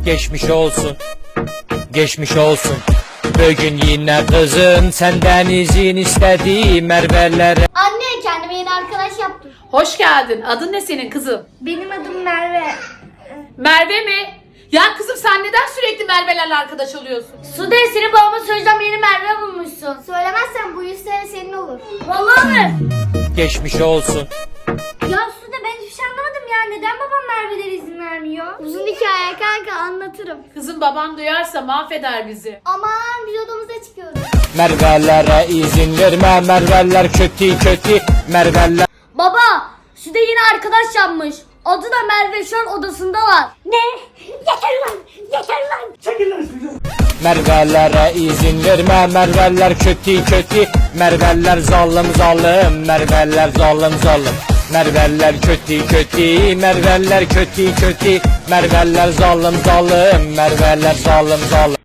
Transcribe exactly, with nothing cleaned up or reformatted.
Geçmiş olsun, geçmiş olsun. Bugün yine kızın senden izin istedi Merve'lere. Anne, kendime yeni arkadaş yaptım. Hoş geldin. Adın ne senin kızım? Benim adım Merve. Merve mi? Ya kızım sen neden sürekli Merve'lerle arkadaş oluyorsun? Sude, senin babama söyleyeceğim, yeni Merve bulmuşsun. Söylemezsen bu yüz sene senin olur. Vallahi mi? Geçmiş olsun. Ya Sude, ben hiçbir şey anlamadım ya. Neden babam Merve'lere izin vermiyor? Uzun hikaye kanka, anlatırım. Kızım baban duyarsa mahveder bizi. Aman, biz odamıza çıkıyoruz. Merve'lere izin verme, Merve'ler kötü kötü Merve'ler. Baba, Sude yeni arkadaş yapmış. Adı da Merve, şu an odasındalar. Ne? Yeter lan, yeter lan. Çekil lan şuradan. Merve'lere izin verme, Merve'ler kötü kötü Merve'ler zalim zalim, Merve'ler zalim zalim. Merve'ler kötü kötü, Merve'ler kötü kötü Merve'ler zalim zalim, Merve'ler zalim zalim.